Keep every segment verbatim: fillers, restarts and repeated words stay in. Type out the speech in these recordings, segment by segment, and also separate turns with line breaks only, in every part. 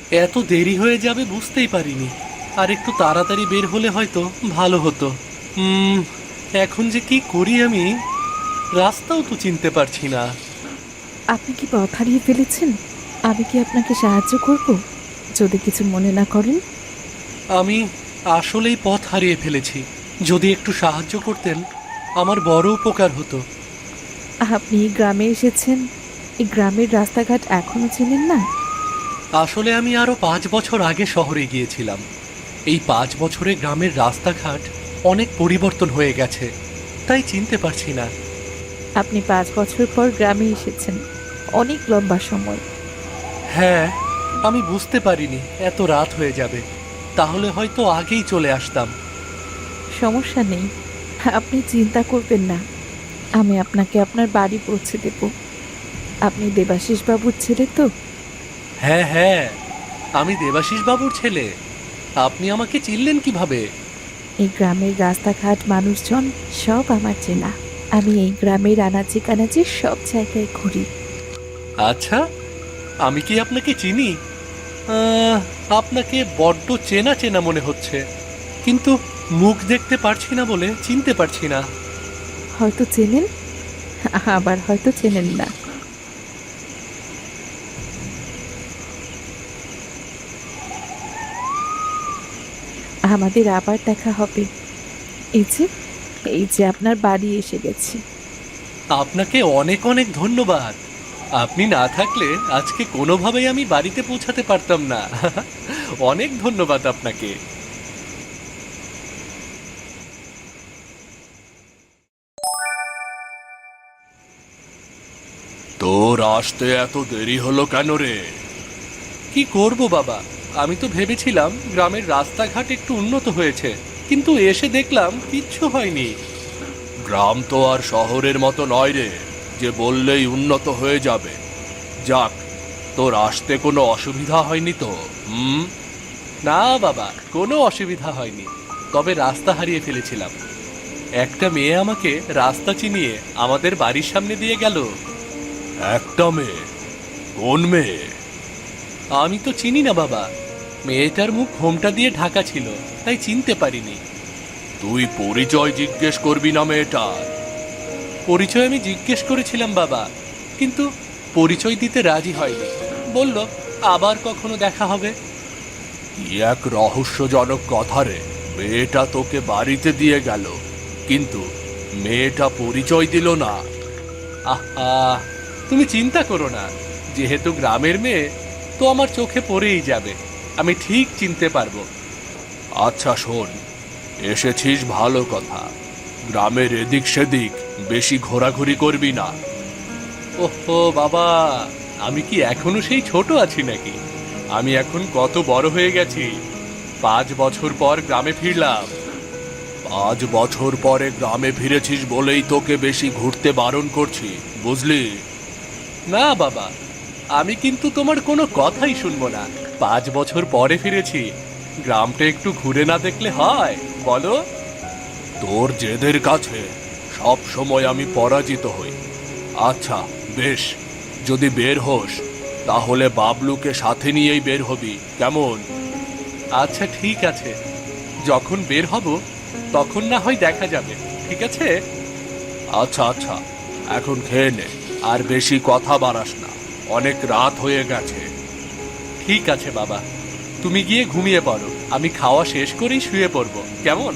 এত দেরি হয়ে যাবে বুঝতেই পারিনি। আর একটু তাড়াতাড়ি বের হলে হয়তো ভালো হতো। হুম, এখন যে কি করি আমি, রাস্তাও তো চিনতে পারছি না।
আপনি কি পথ হারিয়ে ফেলেছেন? আমি কি আপনাকে সাহায্য করব, যদি কিছু মনে না করেন?
আমি আসলেই পথ হারিয়ে ফেলেছি। যদি একটু সাহায্য করতেন আমার বড় উপকার হতো।
আপনি এই গ্রামে এসেছেন, এই গ্রামের রাস্তাঘাট এখনো চেনেন না?
আসলে আমি আরো পাঁচ বছর আগে শহরে গিয়েছিলাম। এই পাঁচ বছরে গ্রামের রাস্তাঘাট অনেক পরিবর্তন হয়ে গেছে, তাই চিনতে পারছি না।
আপনি পাঁচ বছর পর গ্রামে এসেছেন, অনেক লম্বা সময়।
হ্যাঁ, আমি বুঝতে পারিনি এত রাত হয়ে যাবে। তাহলে হয়তো আগেই চলে আসতাম।
সমস্যা নেই, আপনি চিন্তা করবেন না। আমি আপনাকে আপনার বাড়ি পৌঁছে দেব। আপনি দেবাশিস বাবুর ছেলে তো?
হ্যাঁ হ্যাঁ, আমি দেবাশিস বাবুর ছেলে। আপনি আমাকে চিনলেন কিভাবে?
এই গ্রামের রাস্তাঘাট, মানুষজন সব আমার চেনা। আমি এই গ্রামের আনাচে কানাচে সব জায়গায় ঘুরি।
আচ্ছা, আমি কি আপনাকে চিনি? আহ, আপনাকে বড্ড চেনা চেনা মনে হচ্ছে, কিন্তু মুখ দেখতে পারছি না বলে চিনতে পারছি না।
হয়তো চেনেন, আবার হয়তো চেনেন না। আমাদের আবার দেখা হবে। এই যে, এই যে আপনার বাড়ি এসে গেছি।
আপনাকে অনেক অনেক ধন্যবাদ। আপনি না থাকলে আজকে কোনোভাবেই আমি বাড়িতে পৌঁছাতে পারতাম না। অনেক ধন্যবাদ আপনাকে। তোর আসতে এত দেরি হলো কেন রে? কি করব বাবা, আমি তো ভেবেছিলাম গ্রামের রাস্তাঘাট একটু উন্নত হয়েছে, কিন্তু এসে দেখলাম কিচ্ছু হয়নি। গ্রাম তো আর শহরের মতো নয় রে, যে বললেই উন্নত হয়ে যাবে। যাক, তোর আসতে কোনো অসুবিধা হয়নি তো? হুম। না বাবা, কোনো অসুবিধা হয়নি। তবে রাস্তা হারিয়ে ফেলেছিলাম। একটা মেয়ে আমাকে রাস্তা চিনিয়ে আমাদের বাড়ির সামনে দিয়ে গেল। একটা মেয়ে? কোন মেয়ে? আমি তো চিনি না বাবা। মেয়েটার মুখ ঘোমটা দিয়ে ঢাকা ছিল, তাই চিনতে পারিনি। তুই পরিচয় জিজ্ঞেস করবি না মেয়েটার? পরিচয় আমি জিজ্ঞেস করেছিলাম বাবা, কিন্তু পরিচয় দিতে রাজি হয়নি। বলল আবার কখনো দেখা হবে। কি এক রহস্যজনক কথা রে। মেয়েটা তোকে বাড়িতে দিয়ে গেল, কিন্তু মেয়েটা পরিচয় দিল না। আহা, তুমি চিন্তা করো না। যেহেতু গ্রামের মেয়ে, তো আমার চোখে পড়েই যাবে। আমি ঠিক চিনতে পারবো। আচ্ছা শোন, এসেছিস ভালো কথা। গ্রামের এদিক সেদিক বেশি ঘোরাঘুরি করবি না। ওহো বাবা, আমি কি এখনো সেই ছোট আছি নাকি? আমি এখন কত বড় হয়ে গেছি। পাঁচ বছর পর গ্রামে ফিরলাম। পাঁচ বছর পরে গ্রামে ফিরেছিস বলেই তোকে বেশি ঘুরতে বারণ করছি, বুঝলি? না বাবা, আমি কিন্তু তোমার কোনো কথাই শুনবো না। পাঁচ বছর পরে ফিরেছি, গ্রামটা একটু ঘুরে না দেখলে হয় বলো? তোর জেদের কাছে সব সময় আমি পরাজিত হই। আচ্ছা বেশ, যদি বের হোস তাহলে বাবলুকে সাথে নিয়েই বের হবি, কেমন? আচ্ছা ঠিক আছে, যখন বের হব তখন না হয় দেখা যাবে। ঠিক আছে। আচ্ছা আচ্ছা, এখন খেয়ে নে, আর বেশি কথা বাড়াস না। অনেক রাত হয়ে গেছে। ঠিক আছে বাবা, তুমি গিয়ে ঘুমিয়ে পড়ো। আমি খাওয়া শেষ করেই শুয়ে পড়বো, কেমন?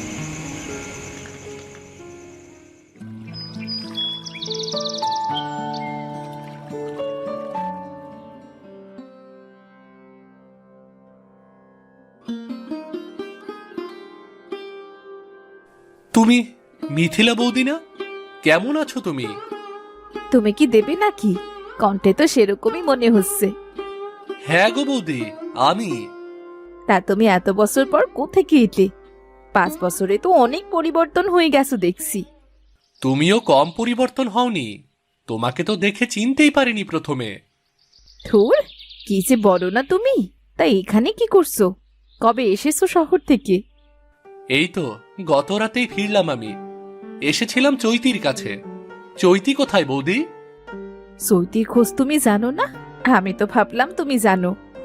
তুমি মিথিলা বৌদি না? কেমন আছো তুমি?
তুমি কি দেবে নাকি? কণ্ঠে তো সেরকমই মনে হচ্ছে।
হ্যাঁ গো বৌদি, আমি।
তা তুমি এত বছর পর কোত্থেকে এলে? পাঁচ বছরে তো অনেক পরিবর্তন হয়ে গেছো দেখছি।
তুমিও কম পরিবর্তন হওনি। তোমাকে তো দেখে চিনতেই পারিনি প্রথমে।
ধুর, কি যে বলো না তুমি। তাই এখানে কি করছো? কবে এসেছো শহর থেকে?
এই তো গত রাতেই ফিরলাম আমি। এসেছিলাম চৈতির কাছে। চৈতি কোথায় বৌদি?
সৈতির খোঁজ তুমি জানো না? আমি তো ভাবলাম তুমি জানো।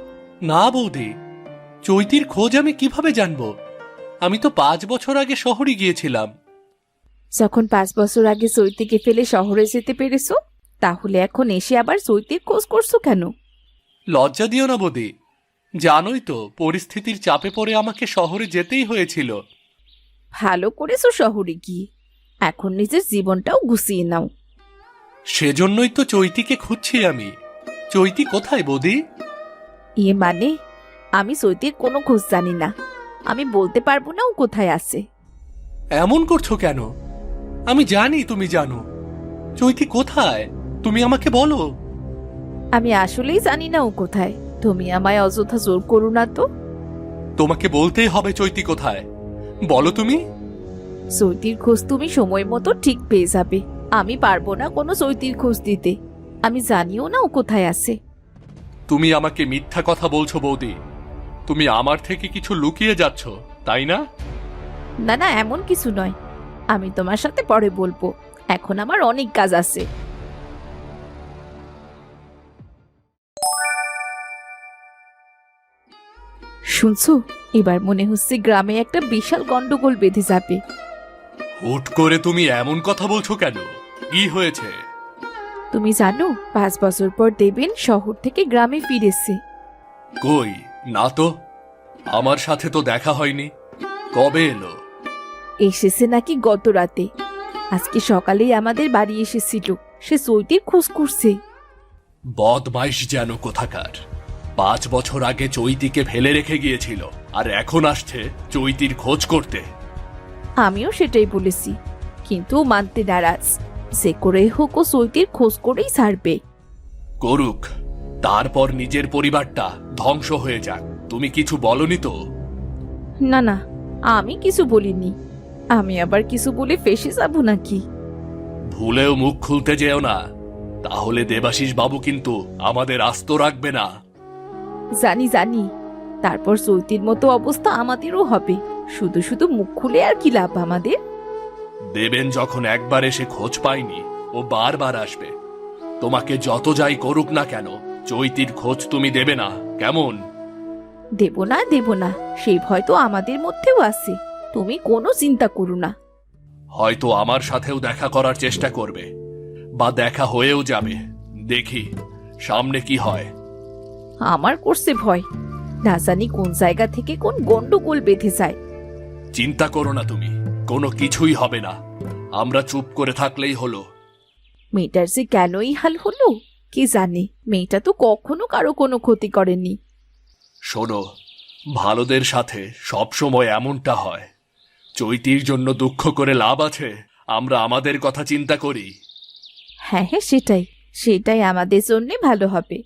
না বৌদি, চৈতির খোঁজ আমি কিভাবে জানবো? আমি তো পাঁচ বছর আগে শহরে গিয়েছিলাম।
যখন পাঁচ বছর আগে চৈতিকে ফেলে শহরে যেতে পেরেছো, তাহলে এখন এসে আবার চৈতির খোঁজ করছো কেন?
লজ্জা দিও না বৌদি, জানোই তো পরিস্থিতির চাপে পড়ে আমাকে শহরে যেতেই হয়েছিল।
ভালো করেছো শহরে গিয়ে, এখন নিজের জীবনটাও গুছিয়ে নাও।
সেজন্যই তো চৈতিকে খুঁজছি আমি। চৈতি কোথায় বৌদি?
ইয়ে মানে, আমি চৈতির কোনো খোঁজ জানি না, আমি বলতে পারবো না ও কোথায় আছে।
এমন করছো কেন? আমি জানি তুমি জানো। চৈতি কোথায় তুমি আমাকে বলো।
আমি আসলেই জানি না ও কোথায়, তুমি আমায় অযথা জোর করো না তো।
তোমাকে বলতেই হবে চৈতি কোথায়, বলো তুমি।
চৈতির খোঁজ তুমি সময় মতো ঠিক পেয়ে যাবে, আমি পারবো না কোনো চৈতির খোঁজ দিতে, আমি জানিও না ও কোথায় আছে।
তুমি আমাকে মিথ্যা কথা বলছো বৌদি, তুমি আমার থেকে কিছু লুকিয়ে যাচ্ছ, তাই না?
না না, এমন কিছু নয়, আমি তোমার সাথে পরে বলবো, এখন আমার অনেক কাজ আছে। শুনছো, এবার মনে হচ্ছে গ্রামে একটা বিশাল গন্ডগোল বেঁধে যাবে।
হুট করে তুমি এমন কথা বলছো কেন? কি হয়েছে?
তুমি জানো, পাঁচ বছর পর দেবেন শহর থেকে গ্রামে ফিরেছে।
কই না তো, আমার সাথে তো দেখা হয়নি। কবে এলো?
এসেছে নাকি গত রাতে, আজকে সকালেই আমাদের বাড়ি এসেছিল, সে চৈতির খোঁজ করছে।
বদমাইশ যেন কোথাকার। পাঁচ বছর আগে চৈতিকে ফেলে রেখে গিয়েছিল, আর এখন আসছে চৈতির খোঁজ করতে।
আমিও সেটাই বলেছি, কিন্তু ও মানতে নারাজ, যে করে হোক ও চৈতির খোঁজ করেই ছাড়বে।
করুক, তারপর নিজের পরিবারটা ধ্বংস হয়ে যাক। তুমি কিছু বলনি তো?
না না, আমি কিছু বলিনি, আমি আবার কিছু বলে ফেসে যাব নাকি?
ভুলেও মুখ খুলতে যেও না, তাহলে দেবাশিস বাবু কিন্তু আমাদের আস্ত রাখবে না।
জানি জানি, তারপর চৈতির মতো অবস্থা আমাদেরও হবে, শুধু শুধু মুখ খুলে আর কি লাভ আমাদের?
দেবেন যখন একবার এসে খোঁজ পায়নি, ও বারবার আসবে। তোমাকে যত যাই করুক না কেন, চৈতির খোঁজ তুমি দেবে না, কেমন?
দেব না দেব না, সেই ভয় তো আমাদের মধ্যেও আছে, তুমি কোনো চিন্তা করো না।
হয়তো আমার সাথেও দেখা করার চেষ্টা করবে, বা দেখা হয়েও যাবে। দেখি সামনে কি হয়।
আমার করছে ভয়, না জানি কোন জায়গা থেকে কোন গন্ডগোল বেঁধে যায়।
চিন্তা করো না তুমি, কোনো কিছুই হবে না। আমরা চুপ করে থাকলেই হলো।
মেয়েটার যে কেনই হাল হলো কি জানে, মেয়েটা তো কখনো কারো কোনো ক্ষতি করেনি।
শোনো, ভালোদের সাথে সব সময় এমনটা হয়। চৈতির জন্য দুঃখ করে লাভ আছে? আমরা আমাদের কথা চিন্তা করি।
হ্যাঁ হ্যাঁ, সেটাই সেটাই আমাদের জন্য ভালো হবে।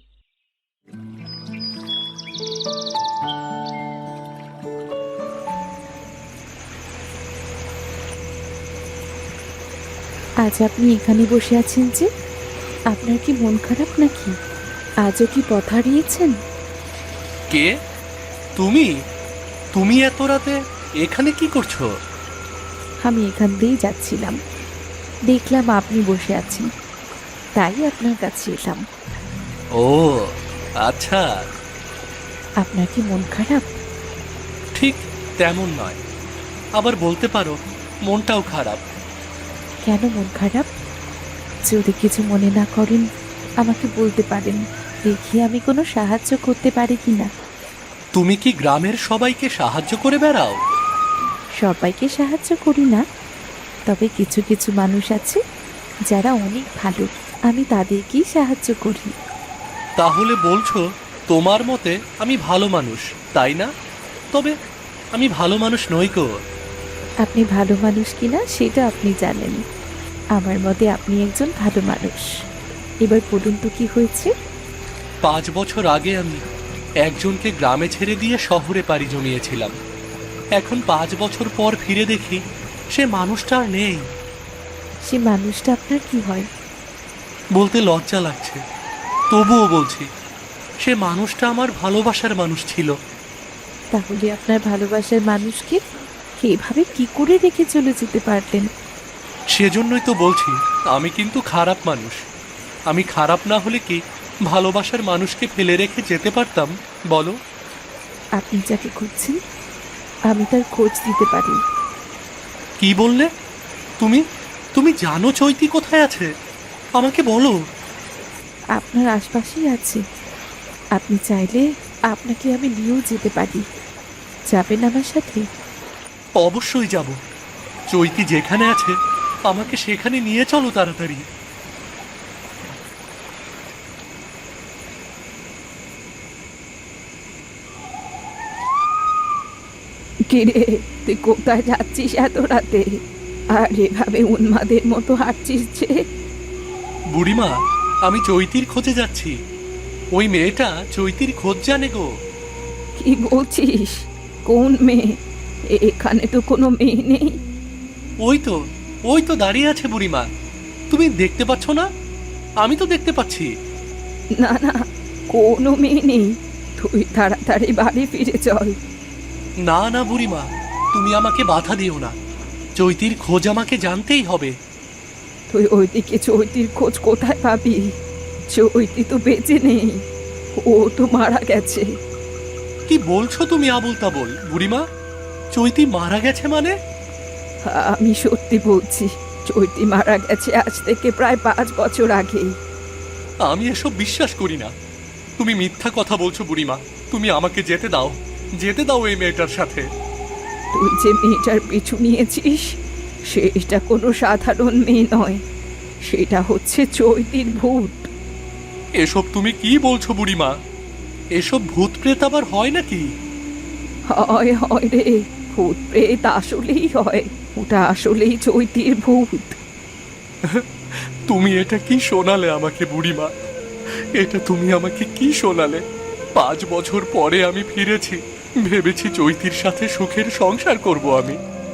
আজ আপনি এখানে বসে আছেন যে, আপনার কি মন খারাপ নাকি? আজও কি পথ হারিয়েছেন?
কে তুমি? তুমি এত রাতে এখানে কি করছো?
আমি এখান দিয়েই যাচ্ছিলাম, দেখলাম আপনি বসে আছেন, তাই আপনার কাছে এলাম।
ও আচ্ছা।
আপনার কি মন খারাপ?
ঠিক তেমন নয়, আবার বলতে পারো মনটাও খারাপ।
কেন মন খারাপ? যদি কিছু মনে না করেন আমাকে বলতে পারেন, দেখি আমি কোনো সাহায্য করতে পারি কিনা।
তুমি কি গ্রামের সবাইকে সাহায্য করে বেড়াও?
সবাইকে সাহায্য করি না, তবে কিছু কিছু মানুষ আছে যারা অনেক ভালো, আমি তাদেরকেই সাহায্য করি।
তাহলে বলছো তোমার মতে আমি ভালো মানুষ, তাই না? তবে আমি ভালো মানুষ নই গো।
আপনি ভালো মানুষ কিনা সেটা আপনি জানেন, আমার মতে আপনি একজন ভালো মানুষ। এবার বলুন তো কি হয়েছে?
পাঁচ বছর আগে আমি একজনকে গ্রামে ছেড়ে দিয়ে শহরে পাড়ি জমিয়েছিলাম। এখন পাঁচ বছর পর ফিরে দেখি সে মানুষটা আর নেই।
সে মানুষটা আপনার কি হয়?
বলতে লজ্জা লাগছে, তবুও বলছি, সে মানুষটা আমার ভালোবাসার মানুষ ছিল।
তাহলে আপনার ভালোবাসার মানুষকে এভাবে কি করে রেখে চলে যেতে পারলেন?
সেজন্যই তো বলছি আমি কিন্তু খারাপ মানুষ। আমি খারাপ না হলে কি ভালোবাসার মানুষকে ফেলে রেখে যেতে পারতাম বলো?
আপনি যাকে খুঁজছেন আমি তার খোঁজ দিতে পারি।
কি বললে? তুমি তুমি জানো চৈতি কোথায় আছে? আমাকে বলো।
আপনার আশপাশেই আছে। আপনি চাইলে আপনাকে আমি নিয়েও যেতে পারি। যাবেন আমার সাথে?
অবশ্যই যাব। চৈতি যেখানে আছে আমাকে সেখানে নিয়ে চলো তাড়াতাড়ি।
কিরে, তুই কোথায় যাচ্ছিস এত রাতে? আর এভাবে উন্মাদের মতো হাঁটছিস যে?
বুড়িমা, আমি চৈতির খোঁজে যাচ্ছি। ওই মেয়েটা চৈতির খোঁজ জানে গো।
কি বলছিস? কোন মেয়ে? এখানে তো কোনো মেয়ে নেই।
ওই তো, ওই তো দাঁড়িয়ে আছে বুড়িমা। তুমি দেখতে পাচ্ছ না? আমি তো দেখতে পাচ্ছি।
না না, কোনো মেয়ে নেই। তুই তাড়াতাড়ি বাড়ি ফিরে চল।
না না বুড়িমা, তুমি আমাকে বাধা দিও না। চৈতির খোঁজ আমাকে জানতেই হবে।
তুই ওইদিকে চৈতির খোঁজ কোথায় পাবি? চৈতি তো বেঁচে নেই, ও তো মারা গেছে।
কি বলছো তুমি আবুল তাবল বুড়িমা? চৈতি মারা গেছে মানে?
আমি সত্যি বলছি, চৈতি মারা গেছে আজ থেকে প্রায় পাঁচ বছর আগে।
আমি এসব বিশ্বাস করি না। তুমি মিথ্যা কথা বলছো বুড়িমা। তুমি আমাকে যেতে দাও, যেতে দাও এই মেয়েটার সাথে।
তুই যে মেয়েটার পিছু নিয়েছিস সেটা কোনো সাধারণ মেয়ে নয়, সেটা হচ্ছে চৈতির ভূত।
এসব তুমি কি বলছো বুড়িমা? এসব ভূত প্রেত আবার হয় নাকি?
হয় হয় রে, ভূত প্রেত আসলেই হয়। ওটা আসলেই চৈতির ভূত।
তুমি এটা কি শোনালে আমাকে বুড়িমা? এটা তুমি আমাকে কি শোনালে? পাঁচ বছর পরে আমি ফিরেছি, ভেবেছি চৈতির সাথে সুখের সংসার করব আমি।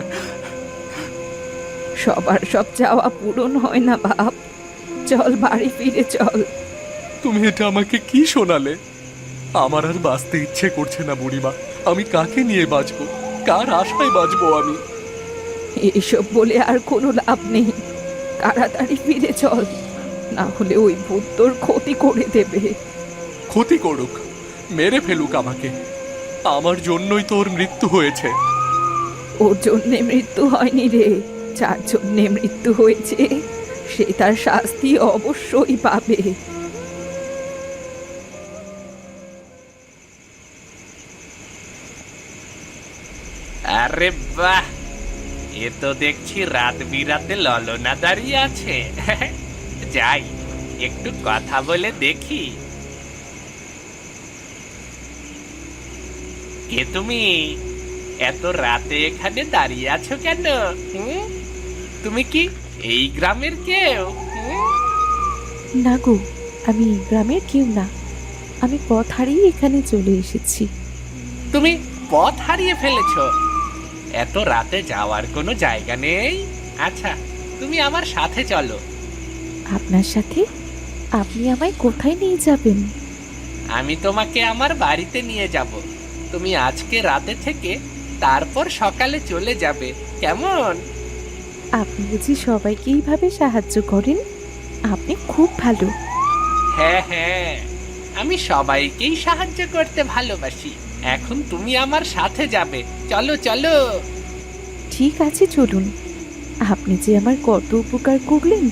সবার সব চাওয়া পূরণ হয় না বাপ। চল বাড়ি ফিরে চল।
তুমি এটা আমাকে কি শোনালে? আমার আর বাঁচতে ইচ্ছে করছে না বুড়িমা। আমি কাকে নিয়ে বাঁচবো? কার আশায় বাঁচবো আমি?
এসব বলে আর কোনো লাভ নেই। তাড়াতাড়ি ফিরে চল, না হলে ওই ভূত তোর ক্ষতি করে দেবে।
ক্ষতি করুক, মেরে ফেলুক আমাকে। আমার জন্যই তোর মৃত্যু হয়েছে।
ওর জন্যে মৃত্যু হয়নি রে, যার জন্যে মৃত্যু হয়েছে সে তার শাস্তি অবশ্যই পাবে।
আরে বাহ, এ তো দেখছি রাত বিরাতে ললনা দাঁড়িয়ে আছে। যাই, একটু কথা বলে দেখি। কে তুমি? এত রাতে এখানে দাঁড়িয়ে আছো কেন? হুম? তুমি কি এই গ্রামের কেউ? হুম?
না গো, আমি গ্রামের কেউ না। আমি পথ হারিয়ে এখানে চলে এসেছি।
তুমি পথ হারিয়ে ফেলেছো? এত রাতে যাওয়ার কোনো জায়গা নেই? আচ্ছা, তুমি আমার সাথে চলো।
আপনার সাথে? আপনি আমায় কোথায় নিয়ে যাবেন?
আমি তোমাকে আমার বাড়িতে নিয়ে যাব। তুমি আজকে রাতে থেকে তারপর সকালে চলে যাবে, কেমন?
আপনি বুঝি সবাইকে এইভাবে সাহায্য করেন? আপনি খুব ভালো।
হ্যাঁ হ্যাঁ, আমি সবাইকেই সাহায্য করতে ভালোবাসি। এখন তুমি আমার সাথে যাবে, চলো চলো।
ঠিক আছে চলুন। আপনি যে আমার কত উপকার করলেন।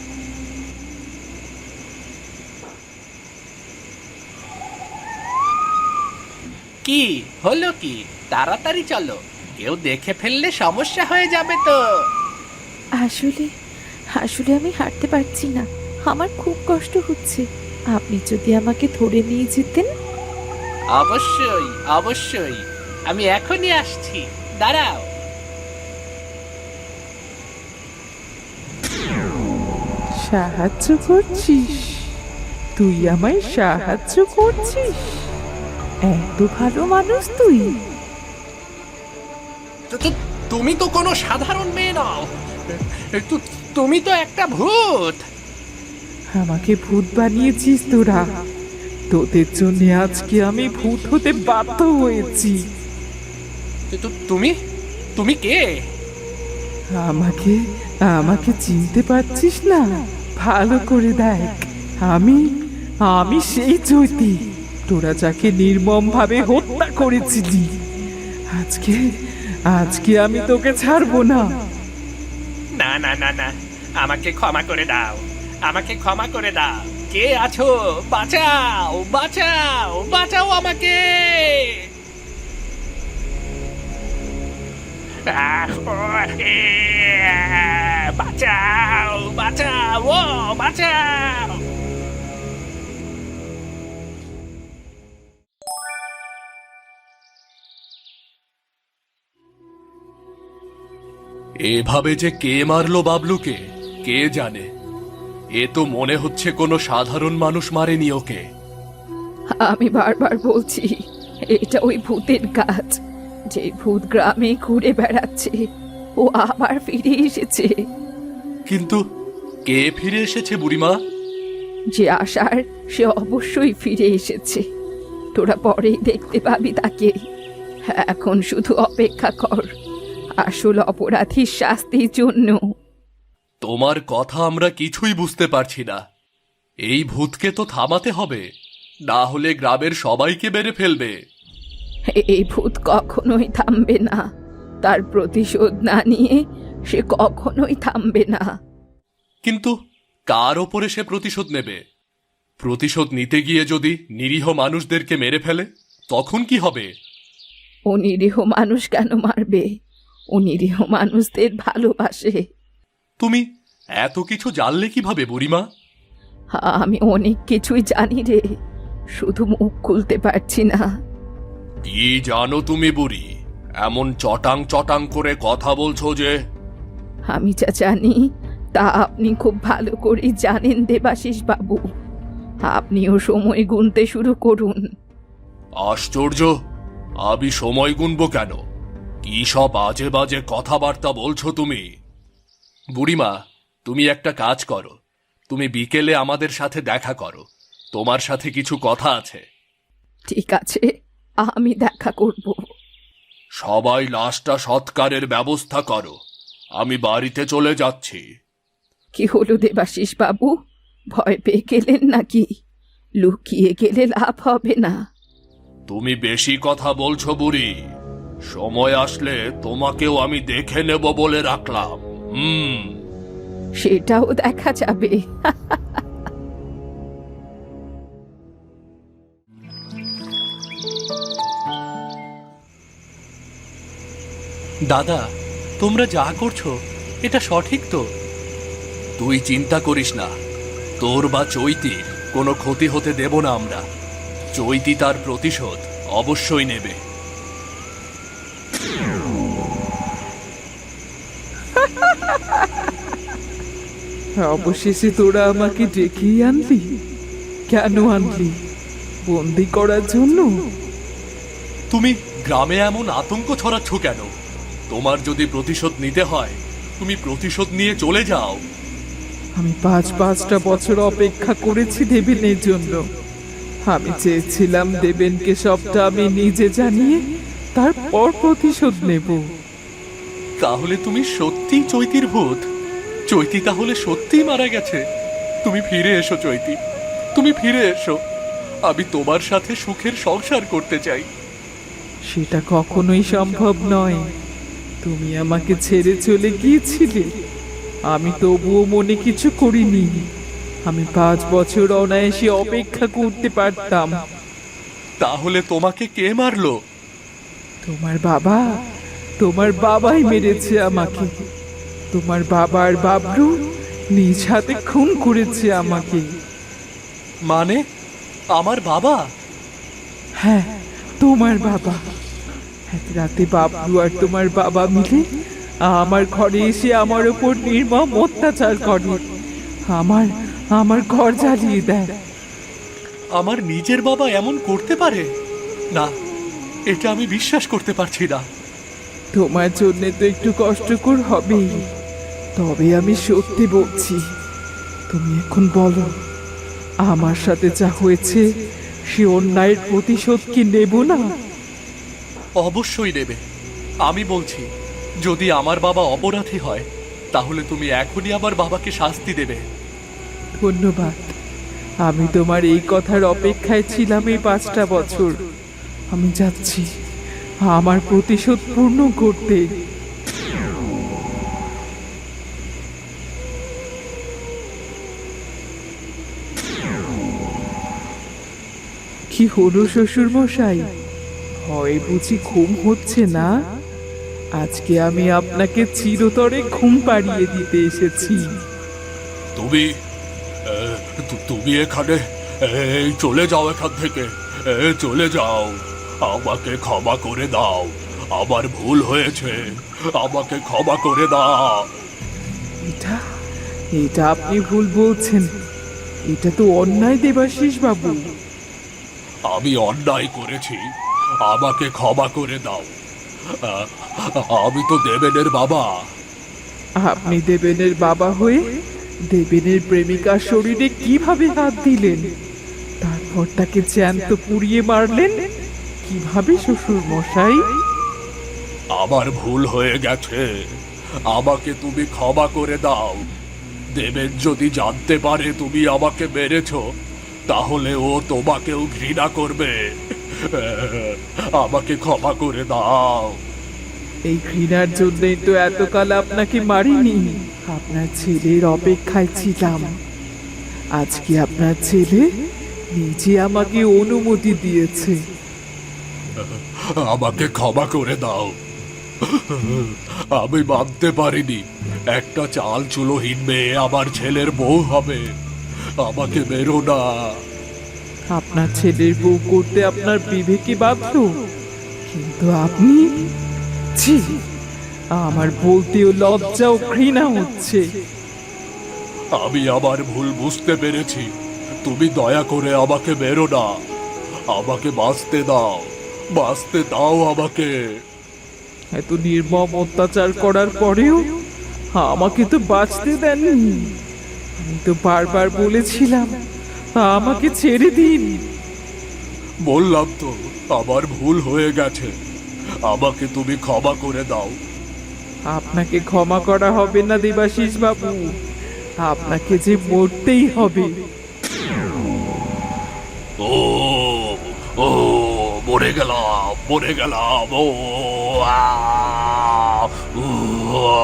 কি হলো কি? তাড়াতাড়ি চলো, কেউ দেখে ফেললে সমস্যা হয়ে যাবে তো।
আসলে আসলে আমি হাঁটতে পারছি না, আমার খুব কষ্ট হচ্ছে। আপনি যদি আমাকে ধরে নিয়ে যেতেন।
অবশ্যই অবশ্যই, আমি এখনই আসছি, দাঁড়াও।
সাহায্য করছিস? তুই আমায় সাহায্য করছিস? এত ভালো মানুষ তুই?
তো- তো- তুমি তো কোনো সাধারণ মেয়ে নও। তু- তুমি তো একটা ভূত।
আমাকে ভূত বানিয়েছিস তোরা। তোদের জন্য আজকে আমি ভূত হতে বাধ্য হয়েছি।
তো- তো- তুমি তুমি কে?
আমাকে আমাকে চিনতে পারছিস না? ভালো করে দেখ, আমি আমি সেই চৈতি, তোরা যাকে নির্মম ভাবে হত্যা করেছিলি। আজকে আজকে আমি তোকে ছাড়বো না।
না না না না, আমাকে ক্ষমা করে দাও, আমাকে ক্ষমা করে দাও। কে আছো? বাঁচাও, বাঁচাও, বাঁচাও আমাকে। আহ, ও, এ, বাঁচাও, বাঁচাও, ও বাঁচাও।
এভাবে যে কে মারলো বাবলুকে কে জানে। এ তো মনে হচ্ছে কোনো সাধারণ মানুষ মারেনি ওকে।
আমি বারবার বলছি, এটা ওই ভূতের কাজ। যে ভূত গ্রামে ঘুরে বেড়াচ্ছে, ও আবার ফিরে এসেছে।
কিন্তু কে ফিরে এসেছে বুড়িমা?
যে আসার সে অবশ্যই ফিরে এসেছে। তোরা পরেই দেখতে পাবি তাকে। এখন শুধু অপেক্ষা কর আসল অপরাধীর শাস্তির জন্য।
তোমার কথা আমরা কিছুই বুঝতে পারছি না। এই ভূতকে তো থামাতে হবে, না হলে গ্রামের সবাইকে মেরে ফেলবে।
এই ভূত কখনোই থামবে না। তার প্রতিশোধ না নিয়ে সে কখনোই থামবে না।
কিন্তু কার ওপরে সে প্রতিশোধ নেবে? প্রতিশোধ নিতে গিয়ে যদি নিরীহ মানুষদেরকে মেরে ফেলে তখন কি হবে?
ও নিরীহ মানুষ কেন মারবে? ও নিরীহ মানুষদের ভালোবাসে।
তুমি এত কিছু জানলে কিভাবে বুড়িমা?
আমি অনেক কিছুই জানি রে, শুধু মুখ খুলতে পারছি না।
কি জানো তুমি বুড়ি? এমন চটাং চটাং করে কথা বলছো যে।
আমি যা জানি তা আপনি খুব ভালো করেই জানেন দেবাশিস বাবু। আপনিও সময় গুনতে শুরু করুন।
আশ্চর্য, আমি সময় গুনবো কেন? কি সব বাজে বাজে কথাবার্তা বলছো তুমি? বুড়িমা, তুমি একটা কাজ করো, তুমি বিকেলে আমাদের সাথে দেখা করো, তোমার সাথে কিছু কথা আছে।
ঠিক আছে, আমি দেখা করব।
সবাই লাশটা সৎকারের ব্যবস্থা করো, আমি বাড়িতে চলে যাচ্ছি।
কি হলো দেবাশিস বাবু, ভয় পেয়ে গেলেন নাকি? লুকিয়ে গেলে লাভ হবে না।
তুমি বেশি কথা বলছো বুড়ি। সময় আসলে তোমাকেও আমি দেখে নেব বলে রাখলাম। হুম।
সেটাও দেখা যাবে।
দাদা, তোমরা যা করছো এটা সঠিক তো? তুই চিন্তা করিস না, তোর বা চৈতির কোনো ক্ষতি হতে দেব না আমরা। চৈতি তার প্রতিশোধ অবশ্যই নেবে।
অবশেষে তোরা আমাকে ডেকেই আনলি। কেন আনলি? বন্দি করার জন্য?
তুমি গ্রামে এমন আতঙ্ক ছড়াচ্ছ কেন? তোমার যদি প্রতিশোধ নিতে হয় তুমি প্রতিশোধ নিয়ে চলে যাও।
আমি পাঁচ পাঁচটা বছর অপেক্ষা করেছি দেবেনের জন্য। আমি চেয়েছিলাম দেবেনকে সবটা আমি নিজে জানিয়ে তারপর প্রতিশোধ নেব।
তাহলে তুমি সত্যিই চৈতির ভূত? চৈতি তাহলে সত্যিই মারা গেছে? তুমি ফিরে এসো চৈতি, তুমি ফিরে এসো। আমি তোমার সাথে সুখের সংসার করতে চাই।
সেটা কখনোই সম্ভব নয়। তুমি আমাকে ছেড়ে চলে গিয়েছিলে, আমি তবুও মনে কিছু করিনি। আমি পাঁচ বছর অনায়াসে অপেক্ষা করতে পারতাম।
তাহলে তোমাকে কে মারলো?
তোমার বাবা, তোমার বাবাই মেরেছে আমাকে। তোমার বাবার বাবলু নিজ হাতে খুন করেছে আমাকে।
মানে আমার বাবা?
হ্যাঁ, তোমার বাবা। এক রাতে বাবলু আর তোমার বাবা মিলে আমার ঘরে এসে আমার উপর নির্মম অত্যাচার করে। আমার আমার ঘর জ্বালিয়ে দেয়।
আমার নিজের বাবা এমন করতে পারে? না, এটা আমি বিশ্বাস করতে পারছি না।
তোমার জন্য তো একটু কষ্টকর হবেই, তবে আমি সত্যি বলছি। তুমি এখন বলো, আমার সাথে যা হয়েছে সে অন্যায়ের প্রতিশোধ কি নেব না?
অবশ্যই নেবে। আমি বলছি, যদি আমার বাবা অপরাধী হয় তাহলে তুমি এখনই আমার বাবাকে শাস্তি দেবে।
ধন্যবাদ, আমি তোমার এই কথার অপেক্ষায় ছিলাম এই পাঁচটা বছর। আমি যাচ্ছি আমার প্রতিশোধ পূর্ণ করতে। কি হলো শ্বশুর মশাই, হয় বুঝি ঘুম হচ্ছে না? আজকে আমি আপনাকে চিরতরে ঘুম পাড়িয়ে দিতে এসেছি।
তুমি এ, তু- তুমি এখানে এই চলে যাও এখান থেকে, এ, চলে যাও। আমাকে ক্ষমা করে দাও, আমার ভুল হয়েছে, আমাকে ক্ষমা করে দাও।
এটা এটা আপনি ভুল বলছেন। এটা তো অন্যায় দেবাশিস বাবু।
আমি অন্যায় করেছি, আমাকে ক্ষমা করে দাও। আ, আমি তো দেবেনের বাবা।
আপনি দেবেনের বাবা হয়ে দেবেনের প্রেমিকার শরীরে কিভাবে হাত দিলেন, তারপর তাকে জ্যান্ত পুড়িয়ে মারলেন কিভাবে শ্বশুর মশাই?
আমার ভুল হয়ে গেছে, আমাকে তুমি ক্ষমা করে দাও। দেবেন যদি জানতে পারে তুমি আমাকে মেরেছো, তাহলে ও তোমাকেও ঘৃণা করবে। আমাকে ক্ষমা করে দাও।
এই ঘৃণার জন্যই তো এতকাল আপনাকে মারিনি, আপনার ছেলের অপেক্ষায় ছিলাম। আজকে আপনার ছেলে নিজে আমাকে অনুমতি দিয়েছে।
আমাকে ক্ষমা করে দাও। আমি মানতে পারিনি একটা চাল চুলোহীন মেয়ে আমার ছেলের বউ হবে। আমাকে মেরো না।
আপনার ছেলের বউ করতে আপনার বিবেকে বাধ্য, কিন্তু আপনি, ছি, আমার বলতেও লজ্জা ও ঘৃণা হচ্ছে।
আমি আমার ভুল বুঝতে পেরেছি, তুমি দয়া করে আমাকে মেরো না। আমাকে বাঁচতে দাও, বাঁচতে দাও আমাকে।
এত নির্মম অত্যাচার করার পরেও আমাকে তো বাঁচতে দেননি। আমি তো বারবার বলেছিলাম আমাকে ছেড়ে দিন।
বললাম তো আমার ভুল হয়ে গেছে, আমাকে তুমি ক্ষমা করে দাও।
আপনাকে ক্ষমা করা হবে না দেবাশিস বাবু, আপনাকে যে মরতেই হবে।
ও ও মরে গেলাম, মরে গেলাম। ও আ, উ, আ।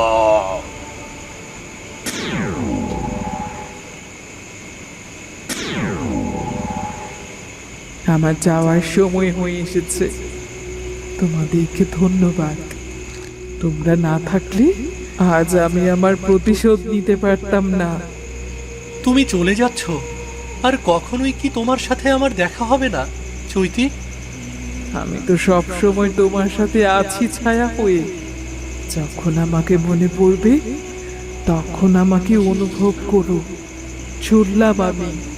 আমার যাওয়ার সময় হয়ে এসেছে। তোমাদেরকে ধন্যবাদ। তোমরা না থাকলে আজ আমি আমার প্রতিশোধ নিতে পারতাম না।
তুমি চলে যাচ্ছ, আর কখনোই কি তোমার সাথে আমার দেখা হবে না চৈতি?
আমি তো সব সময় তোমার সাথে আছি ছায়া হয়ে। যখন আমাকে মনে পড়বে তখন আমাকে অনুভব করো। চললাম আমি।